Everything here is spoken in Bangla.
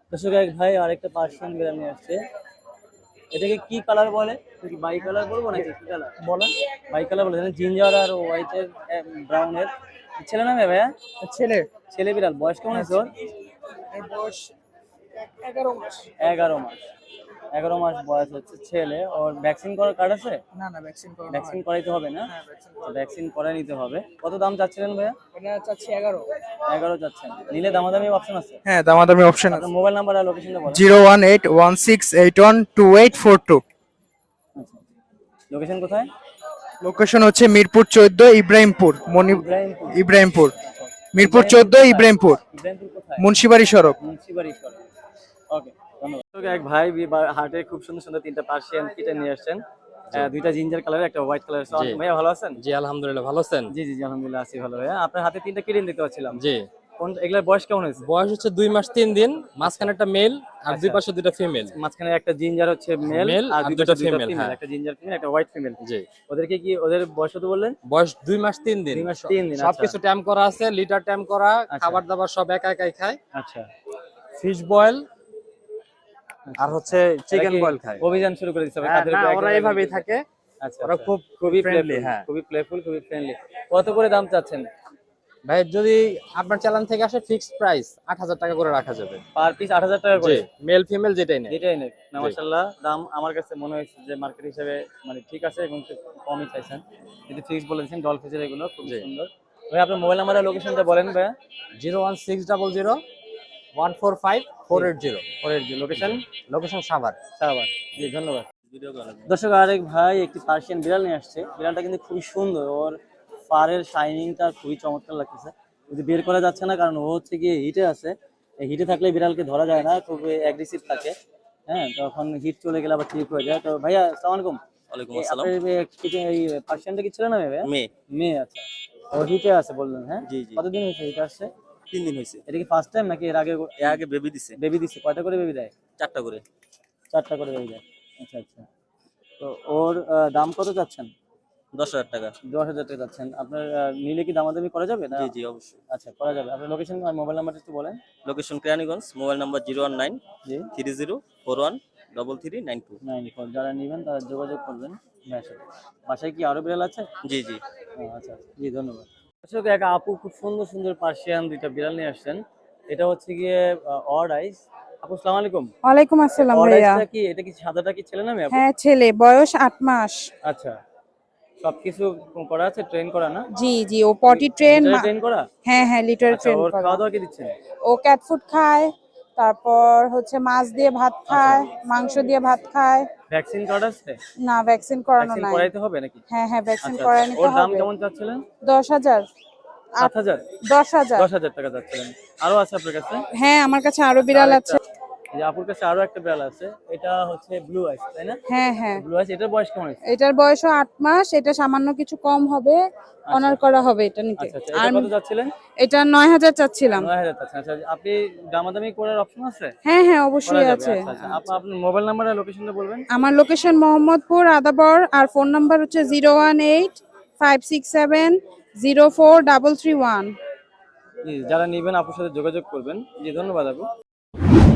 দর্শক এক ভাই আরেকটা পার্সিয়ান বিড়াল নিয়ে আসছে। এটাকে কি কালার বলে? কি বাই কালার বলবো নাকি কি কালার বলেন? বাই কালার বলে, জিঞ্জার আর হোয়াইটের ব্রাউনের। ছেলে না মেয়ে ভাইয়া? ছেলে। ছেলে বিড়াল। বয়স কেমন আছে ওর? এর বয়স 11 মাস। 11 মাস। 11 মাস বয়স হচ্ছে ছেলে। ওর ভ্যাকসিন করার কার্ড আছে? না না, ভ্যাকসিন করানো ভ্যাকসিন হয়নি। করাইতে হবে না? হ্যাঁ, ভ্যাকসিন ভ্যাকসিন করাই নিতে হবে। কত দাম চাচ্ছিলেন ভাইয়া? এটা চাচ্ছি 11। 11 চাচ্ছেন। নিলে দামাদামি অপশন আছে? হ্যাঁ, দামাদামি অপশন আছে। আপনার মোবাইল নাম্বার আর লোকেশনটা বলেন। 01816812842। আচ্ছা, লোকেশন কোথায়? লোকেশন হচ্ছে মিরপুর 14, ইব্রাহিমপুর। ইব্রাহিমপুর। ইব্রাহিমপুর, মিরপুর 14, ইব্রাহিমপুর, ইব্রাহিমপুর কোথায়? মুন্সিবাড়ি সড়ক। মুন্সিবাড়ি সড়ক। ওকে, ধন্যবাদ। তো এক ভাই হাটে খুব সুন্দর সুন্দর তিনটা পার্সিয়ান কিটেন নিয়ে আসছেন। দুইটা জিঞ্জার কালার, একটা হোয়াইট কালার। ভাইয়া ভালো আছেন? জি আলহামদুলিল্লাহ, ভালো আছেন? জি জি জি, আলহামদুলিল্লাহ আছি ভালো। ভাইয়া আপনার হাতে তিনটা কিটেন দেখতে পাচ্ছিলাম। জি। কোন এগুলার বয়স কেমন হয়েছে? বয়স হচ্ছে 2 মাস 3 দিন, মাঝখানে একটা মেল আর দুই আচ্ছা। পাশে দুটো ফিমেল। মাঝখানে একটা জিঞ্জার হচ্ছে মেল আর দুটো female, ফিমেল, হ্যাঁ। একটা জিঞ্জার ফিমেল একটা হোয়াইট ফিমেল। জি। ওদেরকে কি ওদের বয়স কত বললেন? বয়স 2 মাস 3 দিন। 2 মাস 3 দিন। সবকিছু ট্যাম করা আছে, লিটার ট্যাম করা, আচ্ছা। খাবার দাবার সব একা একাই খায়। আচ্ছা। ফিশ বয়েল আর হচ্ছে চিকেন বয়েল খায়। অভিযান শুরু করে দিতে হবে। হ্যাঁ, না, ওরা এইভাবেই থাকে। আচ্ছা, ওরা খুবই ফ্রেন্ডলি। friendly, হ্যাঁ। খুবই প্লেফুল, খুবই ফ্রেন্ডলি। কত করে দাম চাচ্ছেন? ভাই যদি আপনার চালান থেকে আসে ফিক্সড প্রাইস 8000 টাকা করে রাখা যাবে। পার পিস 8000 টাকা করে? জি, মেল ফিমেল যেটাই নেই। যেটাই নেই না, জি। মাশাআল্লাহ দাম আমার কাছে মনে হয়েছে যে মার্কেট হিসেবে মানে ঠিক আছে এবং একটু কমই চাইছেন। যদি ফিক্স বলে দিয়েছেন ডলফিসের, এগুলো খুব জি। সুন্দর। ভাই আপনার মোবাইল নাম্বার আর লোকেশনটা বলেন ভাইয়া। 01600145480। লোকেশন? লোকেশন সাভার। সাভার। জি, ধন্যবাদ। দর্শক আরেক ভাই একটি পার্সিয়ান বিড়াল নিয়ে আসছে। বিড়ালটা কিন্তু খুবই সুন্দর, ওর ফারের শাইনিংটা খুবই চমৎকার লাগতেছে। যদি বের করা যাচ্ছে না কারণ ও হচ্ছে গিয়ে হিটে আছে। এই হিটে থাকলে বিড়ালকে ধরা যায় না, খুব অ্যাগ্রেসিভ থাকে। হ্যাঁ, তখন হিট চলে গেলে আবার ঠিক হয়ে যায়। তো ভাইয়া আসসালামু আলাইকুম। ওয়ালাইকুম আসসালাম। এই পার্সিয়ানটা কি ছিল না ভাইয়া? মেয়ে। মেয়ে, আচ্ছা। ও হিটে আছে বললেন, হ্যাঁ? জি জি। কতদিন হয়েছে হিটে আসছে? 3 দিন হয়েছে। এটা কি ফার্স্ট টাইম নাকি এর আগে? এর আগে বেবি দিছে। বেবি দিচ্ছে? কয়টা করে বেবি দেয়? 4টা করে। 4টা করে বেবি দেয়। আচ্ছা আচ্ছা। তো ওর দাম কত চাচ্ছেন? 10,000 টাকা। 10,000 টাকা যাচ্ছেন। আপনার নিলে কি দামাদামি করা যাবে না? জি জি, অবশ্যই। আচ্ছা, করা যাবে। আপনার লোকেশন আর মোবাইল নাম্বারটা একটু বলেন। লোকেশন কেরানীগঞ্জ, মোবাইল নাম্বার জি। 01930413392। 94। যারা নেবেন তারা যোগাযোগ করবেন ভাইয়ের সাথে। বাসায় কি আরো বিড়াল আছে? জি জি। আচ্ছা, জি ধন্যবাদ। দর্শক এক আপু খুব সুন্দর সুন্দর পার্সিয়ান দুইটা বিড়াল নিয়ে আসছেন। এটা হচ্ছে গিয়ে অড আইস। আপু আসসালামু আলাইকুম। ওয়ালাইকুম আসসালাম অড ভাইয়া। আইসটা কি, এটা কি সাদাটা কি ছেলে না মেয়ে আপু? হ্যাঁ, ছেলে, বয়স 8 মাস। আচ্ছা, সবকিছু করা আছে, ট্রেন করা না? জি জি, ও পটি ট্রেন। ট্রেন করা? হ্যাঁ হ্যাঁ, লিটার আচ্ছা, ট্রেন ওর করা। খাওয়া দাওয়া কি দিচ্ছেন? ও ক্যাট ফুড খায়, তারপর হচ্ছে মাছ দিয়ে ভাত খায়, মাংস দিয়ে ভাত খায়। ভ্যাকসিন কার্ড আছে? না, ভ্যাকসিন করানো ভ্যাকসিন নাই। করাইতে হবে নাকি? হ্যাঁ হ্যাঁ, ভ্যাকসিন আচ্ছা, করায় আচ্ছা। নিতে ওর দাম হবে। কেমন চাচ্ছিলেন? 10,000। 7,000? 10,000। 10,000 টাকা চাচ্ছিলেন। আরো আছে আপনার কাছে? হ্যাঁ, আমার কাছে আরো বিড়াল আছে। এই যে আপুর কাছে আরো একটা বিড়াল আছে, এটা হচ্ছে ব্লু আইস, তাই না? হ্যাঁ হ্যাঁ, ব্লু আইস, এটার বয়স কেমন আছে? এটার বয়সও 8 মাস। এটা সামান্য কিছু কম হবে, অনার করা হবে এটা নিতে। আচ্ছা আচ্ছা। আর এটা কত যাচ্ছিলেন? এটা 9,000 চাচ্ছিলাম। 9,000 চাচ্ছেন। আচ্ছা, আপনি দামাদামি করার অপশন আছে? হ্যাঁ হ্যাঁ, করা অবশ্যই যাবে। আছে। আচ্ছা আচ্ছা। আপনার মোবাইল নাম্বার আর লোকেশনটা বলবেন। আমার লোকেশন মোহাম্মদপুর আদাবর, আর ফোন নাম্বার হচ্ছে 01856704331। জি, যারা নেবেন আপুর সাথে যোগাযোগ করবেন। জি, ধন্যবাদ আপু।